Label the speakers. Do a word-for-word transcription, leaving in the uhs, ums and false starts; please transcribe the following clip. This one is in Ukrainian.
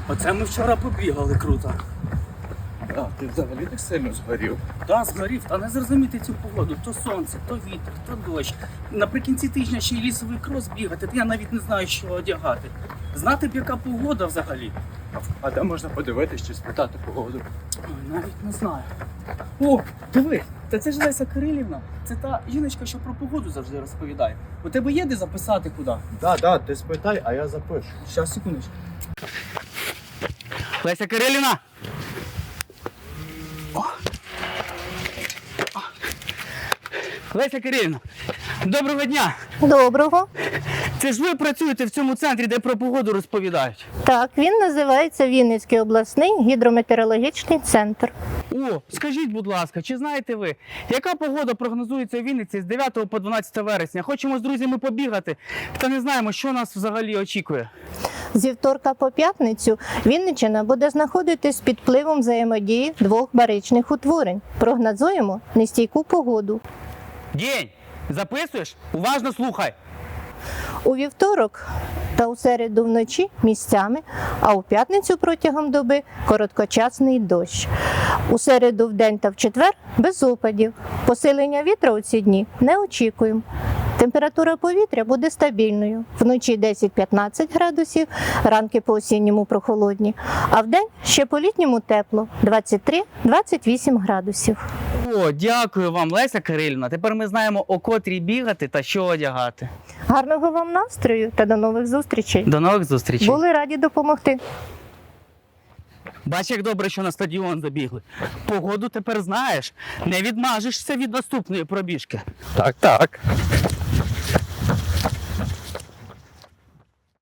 Speaker 1: Оце ми вчора побігали круто.
Speaker 2: А, ти взагалі так сильно згорів.
Speaker 1: Та згорів, та не зрозуміти цю погоду. То сонце, то вітер, то дощ. Наприкінці тижня ще й лісовий крос бігати, то я навіть не знаю, що одягати. Знати б, яка погода взагалі.
Speaker 2: А де можна подивитись чи спитати погоду?
Speaker 1: Ой, навіть не знаю. О, диви, та це ж Леся Кирилівна. Це та жіночка, що про погоду завжди розповідає. У тебе є де записати куди?
Speaker 2: Да, да, ти спитай, а я запишу.
Speaker 1: Щас, секундочку. Леся Кирилівна! О. О. Леся Кирилівна, доброго дня!
Speaker 3: Доброго.
Speaker 1: Це ж ви працюєте в цьому центрі, де про погоду розповідають?
Speaker 3: Так, він називається Вінницький обласний гідрометеорологічний центр.
Speaker 1: О, скажіть, будь ласка, чи знаєте ви, яка погода прогнозується у Вінниці з дев'ятого по дванадцяте вересня? Хочемо з друзями побігати, та не знаємо, що нас взагалі очікує.
Speaker 3: Зі вторка по п'ятницю Вінниччина буде знаходитись під впливом взаємодії двох баричних утворень. Прогнозуємо нестійку погоду.
Speaker 1: День! Записуєш? Уважно слухай!
Speaker 3: У вівторок та у середу вночі місцями, а у п'ятницю протягом доби короткочасний дощ. У середу вдень та в четвер без опадів. Посилення вітра у ці дні не очікуємо. Температура повітря буде стабільною. Вночі десять-п'ятнадцять градусів, ранки по-осінньому прохолодні, а вдень ще по-літньому тепло – двадцять три - двадцять вісім градусів.
Speaker 1: О, дякую вам, Леся Кирилівна. Тепер ми знаємо, о котрій бігати та що одягати.
Speaker 3: Гарного вам настрою та до нових зустрічей.
Speaker 1: До нових зустрічей.
Speaker 3: Були раді допомогти.
Speaker 1: Бач, як добре, що на стадіон забігли. Погоду тепер знаєш. Не відмажешся від наступної пробіжки.
Speaker 2: Так, так.